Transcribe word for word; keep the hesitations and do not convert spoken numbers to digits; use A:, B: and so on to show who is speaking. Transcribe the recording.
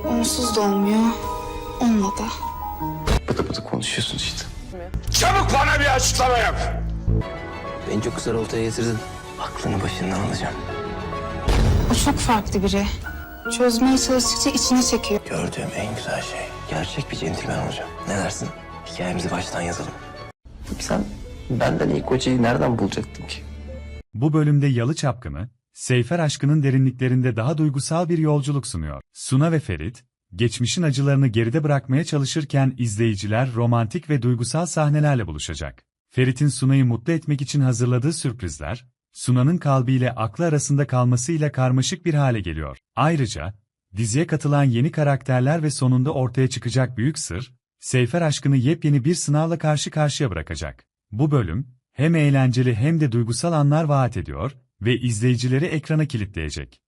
A: Onsuz da olmuyor, onunla da.
B: Bıdı bıdı konuşuyorsun işte.
C: Çabuk bana bir açıklama yap.
B: Beni çok güzel ortaya getirdin. Aklını başından alacağım.
A: O çok farklı biri. Çözmeye çalıştıkça içine çekiyor.
B: Gördüğüm en güzel şey. Gerçek bir centilmen olacağım. Ne dersin? Hikayemizi baştan yazalım. Peki sen benden iyi kocayı nereden bulacaktın ki?
D: Bu bölümde Yalı Çapkını, Seyfer aşkının derinliklerinde daha duygusal bir yolculuk sunuyor. Suna ve Ferit, geçmişin acılarını geride bırakmaya çalışırken izleyiciler romantik ve duygusal sahnelerle buluşacak. Ferit'in Suna'yı mutlu etmek için hazırladığı sürprizler, Suna'nın kalbiyle aklı arasında kalmasıyla karmaşık bir hale geliyor. Ayrıca, diziye katılan yeni karakterler ve sonunda ortaya çıkacak büyük sır, Seyfer aşkını yepyeni bir sınavla karşı karşıya bırakacak. Bu bölüm, hem eğlenceli hem de duygusal anlar vaat ediyor ve izleyicileri ekrana kilitleyecek.